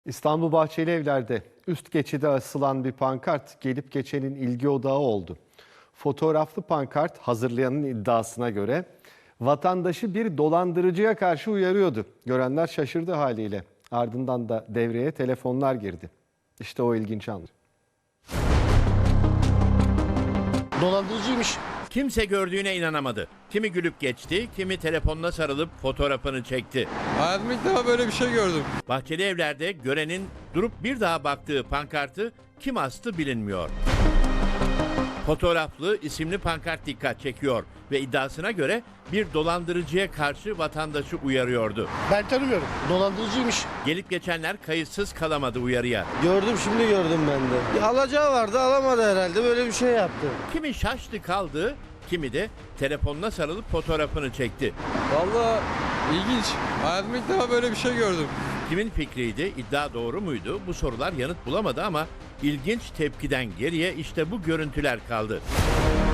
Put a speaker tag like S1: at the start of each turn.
S1: İstanbul Bahçelievler'de üst geçide asılan bir pankart gelip geçenin ilgi odağı oldu. Fotoğraflı pankart hazırlayanın iddiasına göre vatandaşı bir dolandırıcıya karşı uyarıyordu. Görenler şaşırdı haliyle. Ardından da devreye telefonlar girdi. İşte o ilginç an.
S2: Dolandırıcıymış.
S3: Kimse gördüğüne inanamadı. Kimi gülüp geçti, kimi telefonuna sarılıp fotoğrafını çekti.
S4: Hayatımda ilk defa böyle bir şey gördüm.
S3: Bahçelievler'de görenin durup bir daha baktığı pankartı kim astı bilinmiyor. Fotoğraflı isimli pankart dikkat çekiyor ve iddiasına göre bir dolandırıcıya karşı vatandaşı uyarıyordu.
S2: Ben tanımıyorum. Dolandırıcıymış.
S3: Gelip geçenler kayıtsız kalamadı uyarıya.
S5: Gördüm, şimdi gördüm ben de. Bir alacağı vardı, alamadı herhalde, böyle bir şey yaptı.
S3: Kimi şaştı kaldı, kimi de telefonuna sarılıp fotoğrafını çekti.
S4: Vallahi ilginç. Hayatımda ilk defa böyle bir şey gördüm.
S3: Kimin fikriydi, iddia doğru muydu? Bu sorular yanıt bulamadı ama ilginç tepkiden geriye işte bu görüntüler kaldı.